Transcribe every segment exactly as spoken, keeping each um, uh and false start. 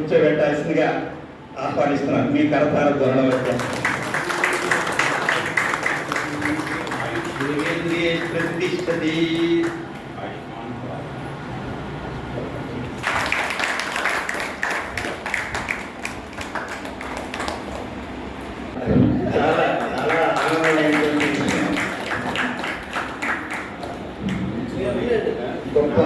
కూర్చోబెట్టాల్సిందిగా ఆహ్వానిస్తున్నాను. మీ కరతార ధ్వరణ వరకు ప్రతిష్టతి. చాలా చాలా ఆనందమైనటువంటి గొప్ప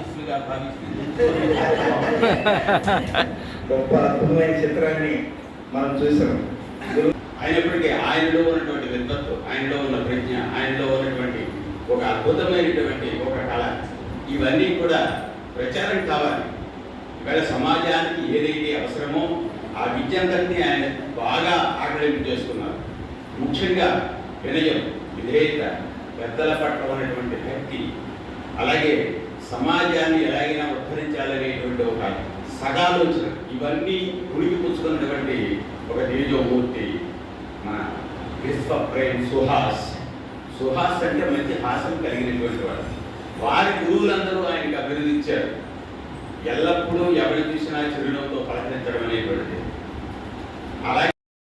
గొప్ప అద్భుతమైన చిత్రాన్ని మనం చూసాం. అయినప్పటికీ ఆయనలో ఉన్నటువంటి విద్వత్తు, ఆయనలో ఉన్న ప్రజ్ఞ, ఆయనలో ఉన్నటువంటి ఒక అద్భుతమైనటువంటి ఒక కళ, ఇవన్నీ కూడా ప్రచారం కావాలి. ఇవాళ సమాజానికి ఏదైతే అవసరమో ఆ విద్యంతరిని ఆయన బాగా ఆకలింపు చేసుకున్నారు. ముఖ్యంగా వినయం, విధేయత, పెద్దల పట్ల ఉన్నటువంటి భక్తి, అలాగే సమాజాన్ని ఎలాగైనా ఉద్ధరించాలనేటువంటి ఒక సగాలోచన, ఇవన్నీ ఉనికి పుచ్చుకున్నటువంటి ఒక తేజోమూర్తి మన విశ్వప్రేమ్ సుహాస్. సుహాస్ అంటే మంచి హాసం కలిగినటువంటి వాడు. వారి గురువులందరూ ఆయనకు అభినందించారు. ఎల్లప్పుడూ ఎవరి చూసినా చిరునవ్వుతో పలకరించడం అనేటువంటిది. అలాగే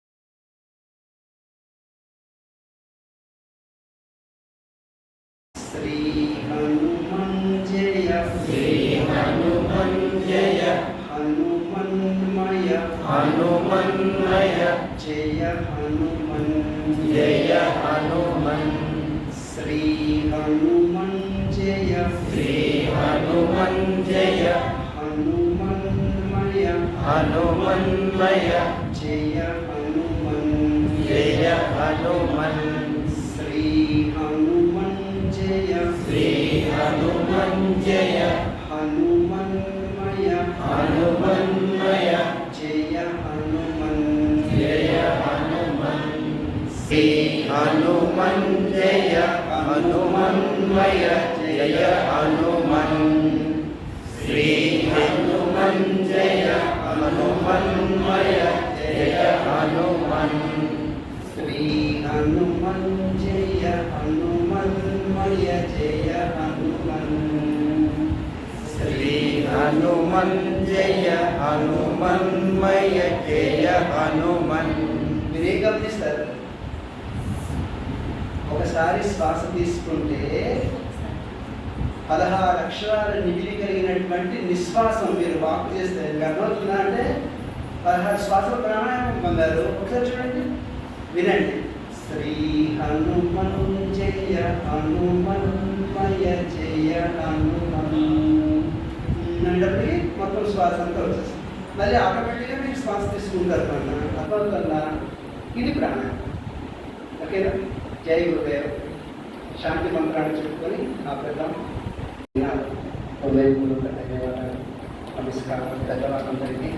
శ్రీ హనుమన్ జయ శ్రీ హనుమన్ జయ హనుమన్మయ హనుమన్మయ జయ హనుమన్ జయ హనుమన్ శ్రీ హనుమన్ జయ శ్రీ హనుమన్ జయ హనుమన్మయ హనుమన్మయ జయ హనుమన్ జయ హనుమన్ శ్రీ హనుమన్ జయ శ్రీ హనుమన్ జయ హనుమన్మయ హనుమన్మయ జయ హనుమన్ జయ హనుమన్ శ్రీ హనుమన్ జయ హనుమన్మయ జయ హనుమన్ శ్రీ హనుమన్ జయ హనుమన్మయ జయ హనుమన్ శ్రీ హనుమన్ జయ హనుమన్మయ జయ హనుమన్ శ్రీ హనుమన్ జయ హనుమన్మయ జయ హనుమన్. మీరే గమనిస్తారు, ఒకసారి శ్వాస తీసుకుంటే పదహారు అక్షరాల నిధులు కలిగినటువంటి నిశ్వాసం మీరు వాక్ చేస్తే అర్థమవుతుందా? అంటే పదహారు శ్వాసల ప్రాణాయామం పొందారు. ఒకసారి చూడండి, వినండి. శ్రీ హనుమన్ జయ హనుమన్మయ జయ హనుమన్ అనేటప్పటికీ మొత్తం శ్వాస అంతా వచ్చేస్తుంది. మళ్ళీ ఆటోమేటిక్గా మీరు శ్వాస తీసుకుంటారు అన్న అర్థమవుతుందా? ఇది ప్రాణాయామం. ఓకేనా? జై గురుదేవ్. శాంతి మంత్రాన్ని చెప్పుకొని ఆపేద్దాం. హృదయపూర్వక ధన్యవాదాలు, నమస్కారం. ధన్యవాదాలందరికీ.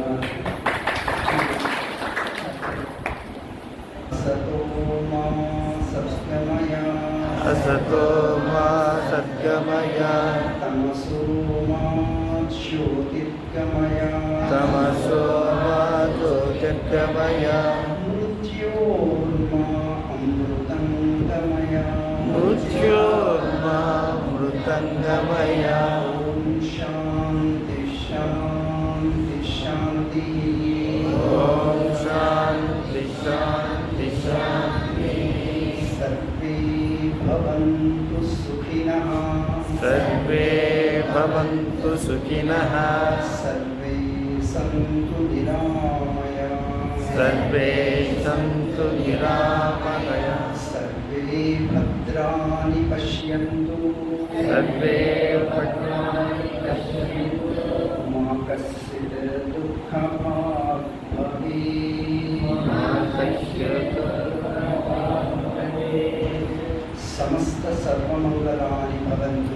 అసతో మా సత్యమయ అసతో మా సత్యమయ తమసో మా జ్యోతిర్గమయ తమసో మా జ్యోతిర్గమయ మృత్యోర్మా అమృతంగమయ మృత్యోర్మా అమృతంగమయ. ఓం శాంతి శాంతి శాంతి. ఓం శాంతి శాంతి శాంతి. సర్వే భవంతు సుఖినః సర్వే భవంతు సుఖినః సర్వే సంతు నిరామయా సర్వే సంతు నిరామయా సర్వే భద్రాణి పశ్యంతు సర్వే భద్రాణి పశ్యంతు మా కశ్చిత్ దుఃఖభాగ్ భవేత్ మా కశ్చిత్ దుఃఖభాగ్ భవేత్. సమస్త సర్వమంగళాని భవంతు.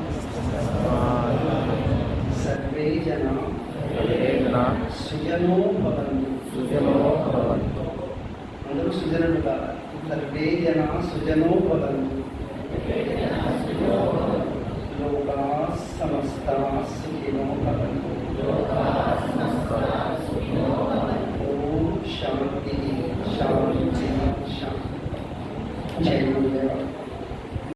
సర్వే జనా సుజనో భవంతు. సుజనో భవంతు. అందరూ సుజనులు కావాలి. సర్వే జనా సుజనో భవంతు. లోకా సమస్తా సుఖినో భవంతు. ఓం శాంతి శాంతి శాంతి. జై గురుదేవ.